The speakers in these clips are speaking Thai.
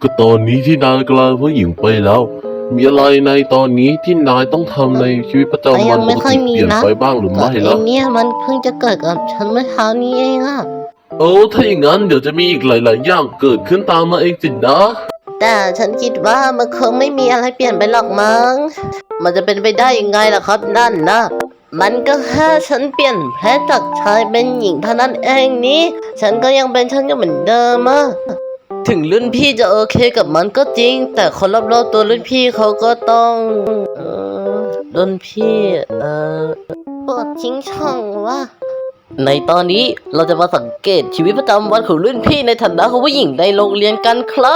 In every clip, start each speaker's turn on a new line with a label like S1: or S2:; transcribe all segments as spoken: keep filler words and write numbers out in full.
S1: ก็ตอนนี้ที่นายกลายเป็นผู้หญิงไปแล้ว มีอะไรในตอนนี้ที่นายต้องทำในชีวิตประจำวันปกติเปลี่ยนไปบ้างหรือไม่
S2: ก็
S1: ล่ะ
S2: ไอ้เนี่ยมันเพิ่งจะเกิดกับฉันเมื่อเช้านี้เองอะ
S1: เออถ้าอย่างนั้นเดี๋ยวจะมีอีกหลาย ๆ อย่างเกิดขึ้นตามมาเองสินะ
S2: แต่ฉันคิดว่ามันคงไม่มีอะไรเปลี่ยนไปหรอกมั้งมันจะเป็นไปได้ยังไงล่ะครับนั่นนะมันก็แค่ฉันเปลี่ยนแพทย์จากชายเป็นหญิงเท่านั้นเองนี่ฉันก็ยังเป็นฉันอยู่เหมือนเดิมอะถึงรุ่นพี่จะโอเคกับมันก็จริง แต่คนรอบๆตัวรุ่นพี่เขาก็ต้องเออรุ่นพี่เออปวดทิ้งช่องวะในตอนนี้เราจะมาสังเกตชีวิตประจำวันของรุ่นพี่ในฐานะของผู้หญิงในโรงเรียนกันครับ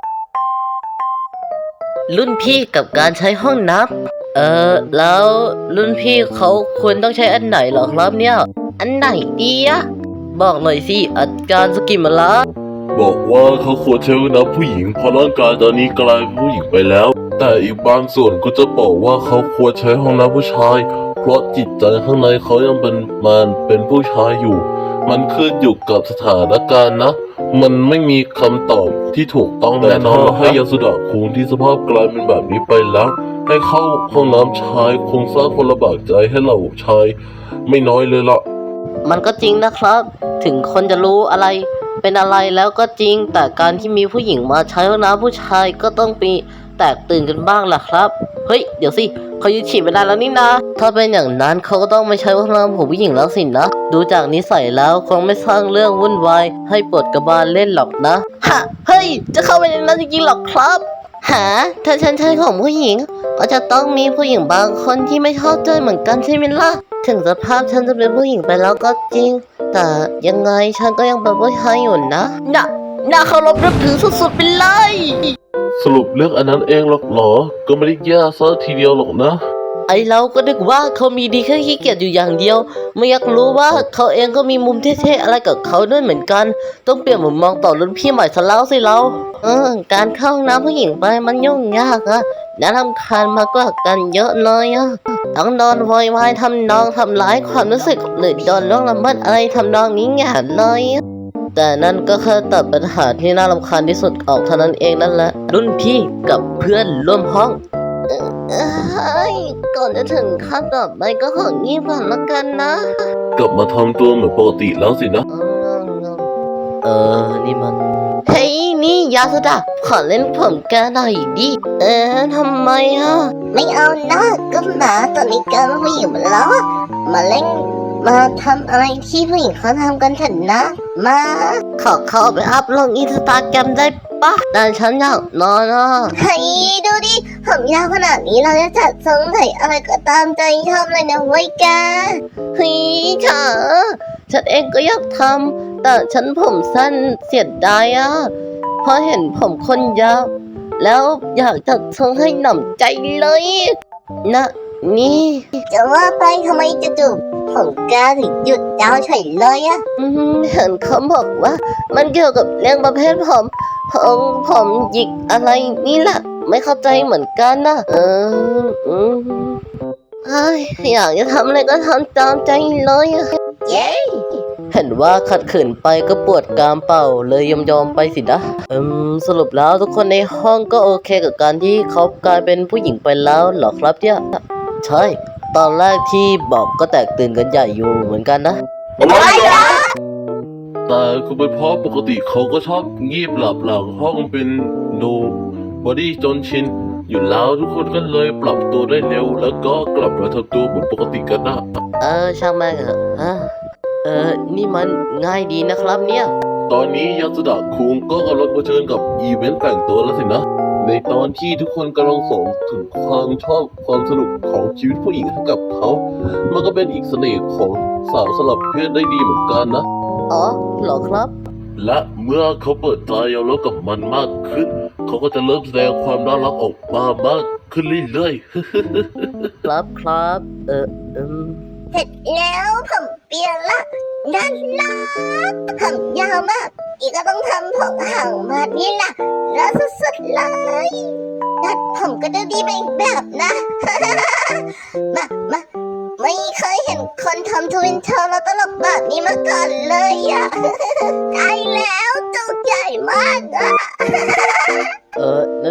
S2: รุ่นพี่กับการใช้ห้องน้ำเออแล้วรุ่นพี่เขาควรต้องใช้อันไหนเหรอครับเนี่ยอันไหนดีอะบอกหน่อยสิอาจารย์สกิมาละ
S1: บอกว่าเขาควรใช้ห้องน้ำผู้หญิงเพราะร่างกายตอนนี้กลายเป็นผู้หญิงไปแล้ว แต่อีกบางส่วนก็จะบอกว่าเขาควรใช้ห้องน้ำผู้ชาย เพราะจิตใจข้างในเขายังเป็นมันเป็นผู้ชายอยู่ มันขึ้นอยู่กับสถานการณ์นะ มันไม่มีคำตอบที่ถูกต้องแน่นอนให้ยาสุดะคุงที่สภาพกลายเป็นแบบนี้ไปแล้ว ให้เข้าห้องน้ำชายคงสร้างความลำบากใจให้เราชายไม่น้อยเลยล่ะ
S2: มันก็จริงนะครับ ถึงคนจะรู้อะไรเป็นอะไรแล้วก็จริง แต่การที่มีผู้หญิงมาใช้ห้องน้ำผู้ชายก็ต้องมีแตกตื่นกันบ้างแหละครับเฮ้ยเดี๋ยวสิเขายึดฉีดไม่ได้แล้วนี่นะถ้าเป็นอย่างนั้นเขาก็ต้องไม่ใช้ห้องน้ำของผู้หญิงแล้วสินะดูจากนิสัยแล้วคงไม่สร้างเรื่องวุ่นวายให้ปวดกระบาลเล่นหรอกนะฮะเฮ้ยจะเข้าไปในนั้นจริงๆหรอครับหาถ้าฉันใช้ของผู้หญิงก็จะต้องมีผู้หญิงบางคนที่ไม่ชอบใจเหมือนกันใช่ไหมล่ะถึงสภาพฉันจะเป็นผู้หญิงไปแล้วก็จริงแต่ยังไงฉันก็ยังเป็นผู้ชายอยู่นะน่ะน่าเคารพนับถือสุดๆไปเลย
S1: สรุปเรื่องอันนั้นเองหรอกเหรอ ก็ไม่ได้แย่ซะทีเดียวหรอกนะ
S2: ไอเราก็นึกว่าเขามีดีแค่ขี้เกียจอยู่อย่างเดียว ไม่อยากรู้ว่าเขาเองก็มีมุมเท่ๆอะไรกับเขาด้วยเหมือนกัน ต้องเปลี่ยนมุมมองต่อรุ่นพี่ใหม่ซะแล้วสิเราเออการเข้าห้องน้ำผู้หญิงไปมันยุ่งยากอะน่ารำคาญมากกว่ากันเยอะเลยอะต้องโดนโวยวายทำนองทำร้ายความรู้สึกหรือโดนล่วงละเมิดอะไรทำนองนี้แง่เลยแต่นั่นก็แค่ตัดปัญหาที่น่ารำคาญที่สุดออกเท่านั้นเองนั่นแหละรุ่นพี่กับเพื่อนร่วมห้อง เอ้ยก่อนจะถึงขั้นต่อไปก็ของีบก่อนละกันนะ
S1: กลับมาทำตัวเหมือนปกติแล้วสินะ
S2: เออ นี่มัน เฮ้ย นี่ยาสุดาขอเล่นผมแกหน่อยดิ เออทำไมอ่ะ
S3: ไม่เอานะก็หมาตอนนี้กลายเป็นผู้หญิงหมดแล้วอะมาเล่นมาทำอะไรที่ผู้หญิงเขาทำกันเถอะนะ มา
S2: ขอเข้าไปอัพลงอินสตาแกรมได้ปะแต่ฉันอยากนอนอ่ะ
S3: เฮ้ยดูดิผมยาวขนาดนี้เราจะจัดทรงไหนอะไรก็ตามใจชอบเลยนะเว้ยแก
S2: เฮ้ยเธอฉันเองก็อยากทำแต่ฉันผมสั้นเสียดายอ่ะเพราะเห็นผมคนยาวแล้วอยากจัดทรงให้หน่ำใจเลยนะนี่
S3: จะว่าไปทำไมจะจูบผมแกถึงหยุดยาวเฉยเลยอะ
S2: อืมเห็นเขาบอกว่า มันเกี่ยวกับเรื่องประเภทผมผมผมหยิกอะไรนี่แหละไม่เข้าใจเหมือนกันนะเอออืมเฮ้ยอยากจะทำอะไรก็ทำตามใจเลยอะ
S3: เย้
S2: เห็นว่าขัดขืนไปก็ปวดกรามเป่าเลยยอมยอมๆไปสินะอืมสรุปแล้วทุกคนในห้องก็โอเคกับการที่เขากลายเป็นผู้หญิงไปแล้วเหรอครับเนี่ยใช่ตอนแรกที่บอกก็แตกตื่นกันใหญ่อยู่เหมือนกันนะ
S1: อะไรนะแต่ก็เป็นเพราะปกติเขาก็ชอบงีบหลับหลังห้องเป็นโนบอดี้จนชิน อยู่แล้วทุกคนก็เลยปรับตัวได้เร็ว แล้วก็กลับมาทำตัวเหมือนปกติกันนะ
S2: เออช่างแม่งเถอะฮะเออนี่มันง่ายดีนะครับเนี่ย
S1: ตอนนี้ยาสุดะคุงก็กำลังเผชิญกับอีเวนต์แต่งตัวแล้วสินะ ในตอนที่ทุกคนกำลังส่งถึงความชอบความสนุกของชีวิตผู้หญิงให้กับเขา มันก็เป็นอีกเสน่ห์ของสาวสลับเพศได้ดีเหมือนกันนะ
S2: อ๋อเหรอครับ
S1: และเมื่อเขาเปิดใจยอมรับกับมันมากขึ้น เขาก็จะเริ่มแสดงความน่ารักออกมามากขึ้นเรื่อยๆ
S2: ครับครับเอออืม
S3: เสร็จแล้วผมเปลี่ยนละด้านล่างผมยาวมาก อีกก็ต้องทำผมห่างมานี่ล่ะแล้วสุดๆเลยดัดผมก็ดูดีไปอีกแบบนะ มามาไม่เคยเห็นคนทำทวินเทอร์แล้วตลกแบบนี้มาก่อนเลยอะ ได้แล้วจุกใหญ่มากอะ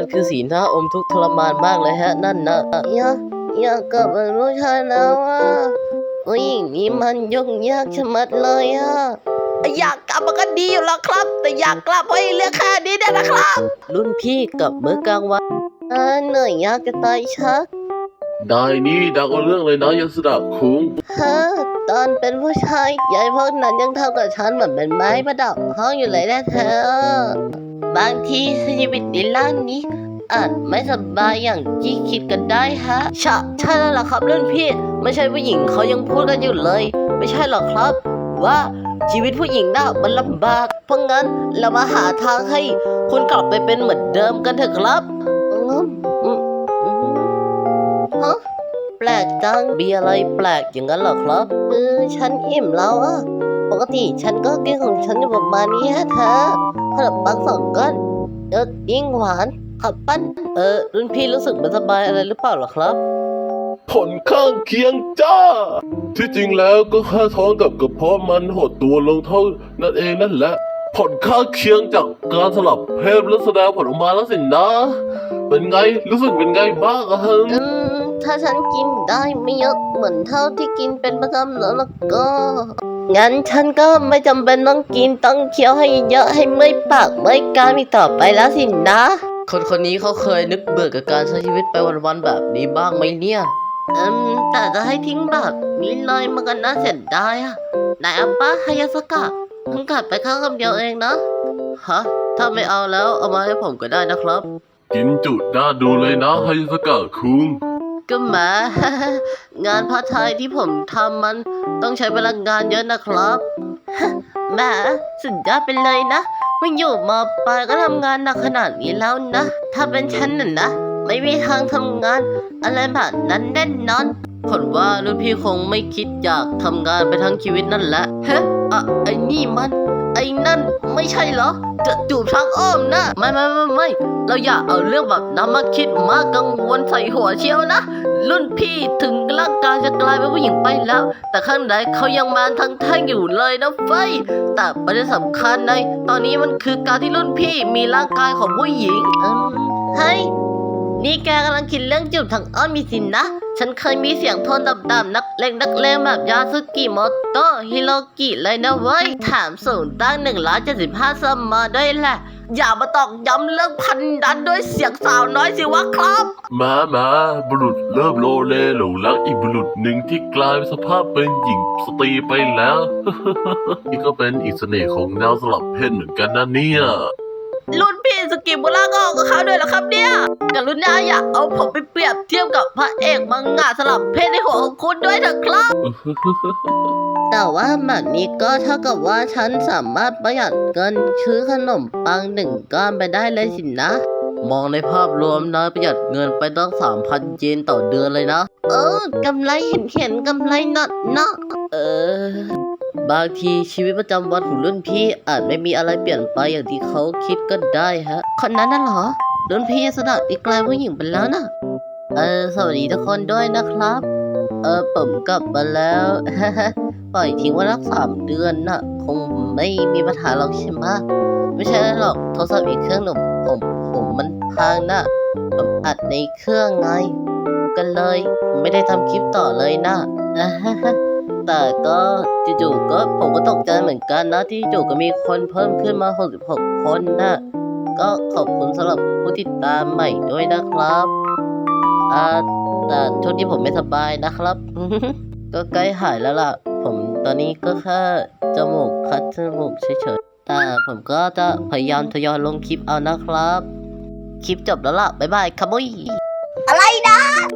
S2: มันคือสีหน้าอมทุกข์ทรมานมากเลยฮะนั่นนะอยากอยากกลับเป็นผู้ชายแล้วอ่ะผู้หญิงนี้มันยุ่งยากชะมัดเลยอ่ะอยากกลับมันก็ดีอยู่แล้วครับ แต่อยากกลับเพราะเรื่องแค่นี้เนี่ยนะครับ รุ่นพี่กับมื้อกลางวันอ่าเหนื่อยยากจะตายชัก
S1: ได้นี่ดักเอาเรื่องเลยนะยาสุดาคุง
S2: ฮะตอนเป็นผู้ชายยายพวกนั้นยังทำกับฉันเหมือนเป็นไม้ประดับห้องอยู่เลยนะเธอบางทีชีวิตในร่างนี้อาจไม่สบายอย่างที่คิดกันได้ฮะใช่ใช่แล้วล่ะครับรุ่นพี่ไม่ใช่ผู้หญิงเขายังพูดกันอยู่เลย ไม่ใช่หรอกครับ ว่าชีวิตผู้หญิงน่ะมันลำบาก เพราะงั้นเรามาหาทางให้คุณกลับไปเป็นเหมือนเดิมกันเถอะครับอืมอืมอืมฮะ แปลกจังมีอะไรแปลกอย่างนั้นเหรอครับคือฉันอิ่มแล้วอะปกติฉันก็กินของฉันอยู่ประมาณนี้ฮะเธอขนมปังสองก้อนเออยิ่งหวานขับปั้นเออรุ่นพี่รู้สึกไม่สบายอะไรหรือเปล่าเหรอครับ
S1: ผลข้างเคียงจ้า ที่จริงแล้วก็แค่ท้องกับกระเพาะมันหดตัวลงเท่านั่นเองนั่นแหละ ผลข้างเคียงจากการสลับเพศและแสดงผลออกมาแล้วสินะ เป็นไงรู้สึกเป็นไงบ้างอะฮะ
S2: อืมถ้าฉันกินได้ไม่เยอะเหมือนเท่าที่กินเป็นประจำแล้วล่ะก็งั้นฉันก็ไม่จำเป็นต้องกินต้องเคี้ยวให้เยอะให้เมื่อยปากเมื่อยกรามอีกต่อไปแล้วสินะ คนคนนี้เขาเคยนึกเบื่อกับการใช้ชีวิตไปวันๆแบบนี้บ้างไหมเนี่ยอืมแต่จะให้ทิ้งแบบนี้เลยมันก็น่าเสียดายอะนายอัปปะฮายาสกะเพิ่งกัดไปข้าวคำเดียวเองนะฮะถ้าไม่เอาแล้วเอามาให้ผมก็ได้นะครับ
S1: กินจุดน่าดูเลยนะไฮสกะคุง
S2: ก็แหมา งานพาร์ทไทม์ที่ผมทำมันต้องใช้พลังงานเยอะนะครับ แหมสุดยอดไปเลยนะเพิ่งอยู่มปลายก็ทำงานหนักขนาดนี้แล้วนะ ถ้าเป็นฉันน่ะนะ ไม่มีทางทำงานอะไรแบบนั้นแน่นอนผมว่ารุ่นพี่คงไม่คิดอยากทำงานไปทั้งชีวิตนั่นแหละเฮ้อะไอ้นี่มัน ไอ้นั่นไม่ใช่เหรอจะจูบทางอ้อมนะไม่ไม่ไม่ไม่เราอย่าเอาเรื่องแบบนั้นมาคิดมากกังวลใส่หัวเชียวนะ รุ่นพี่ถึงร่างกายจะกลายเป็นผู้หญิงไปแล้ว แต่ข้างในเขายังมาทั้งแท่งอยู่เลยนะเฟ้ยแต่ประเด็นสำคัญในตอนนี้มันคือการที่รุ่นพี่มีร่างกายของผู้หญิงอืมเฮ้ยนี่แกกำลังคิดเรื่องจูบทางอ้อมมีสินนะ ฉันเคยมีเสียงโทนต่ำๆนักเลงนักเลงแบบยาสึกิโมโตะฮิโรกิเลยนะเว้ยถามสูงตั้งหนึ่งร้อยเจ็ดสิบห้าสมมาด้วยแหละ อย่ามาตอกย้ำเรื่องพันดันด้วยเสียงสาวน้อยสิวะครับ
S1: มามาบุรุษเริ่มโลเลหลงรักอีกบุรุษหนึ่งที่กลายเป็นสภาพเป็นหญิงสตรีไปแล้ว นี่ก็เป็นอีกเสน่ห์ของแนวสลับเพศเหมือนกันนะเนี่ย
S2: รุ่นพี่สกิบุระก็ออกกับเขาด้วยเหรอครับเนี่ยกรุณาอย่าเอาผมไปเปรียบเทียบกับพระเอกมังงะสลับเพศในหัวของคุณด้วยเถอะครับ แต่ว่าแบบนี้ก็เท่ากับว่าฉันสามารถประหยัดเงินซื้อขนมปังหนึ่งก้อนไปได้เลยสินะ มองในภาพรวมนะประหยัดเงินไปตั้งสามพันเยนต่อเดือนเลยนะ เออกำไรเห็นเห็นกำไรหนักเนาะเออบางทีชีวิตประจำวันของรุ่นพี่อาจไม่มีอะไรเปลี่ยนไปอย่างที่เขาคิดก็ได้ฮะ คนนั้นน่ะเหรอ รุ่นพี่สนับอีกกลายผู้หญิงไปแล้วนะเออสวัสดีทุกคนด้วยนะครับ เออผมกลับมาแล้ว ปล่อยทิ้งไว้รักสามเดือนน่ะ คงไม่มีปัญหาหรอกใช่ไหมไม่ใช่หรอกโทรศัพท์อีกเครื่องหนึ่งผมผมมันพังน่ะผมอัดในเครื่องไงกันเลยไม่ได้ทำคลิปต่อเลยนะ แต่ก็จู่ๆก็ผมก็ตกใจเหมือนกันนะที่จู่ๆก็มีคนเพิ่มขึ้นมาหกสิบหกคนนะก็ขอบคุณสำหรับผู้ติดตามใหม่ด้วยนะครับอ่าแต่ช่วงนี้ผมไม่สบายนะครับ ก็ใกล้หายแล้วล่ะ ผมตอนนี้ก็แค่จมูกคัดจมูกเฉยๆแต่ผมก็จะพยายามทยอยลงคลิปเอานะครับ คลิปจบแล้วล่ะบ๊ายบายครับบุย
S3: อะไรนะ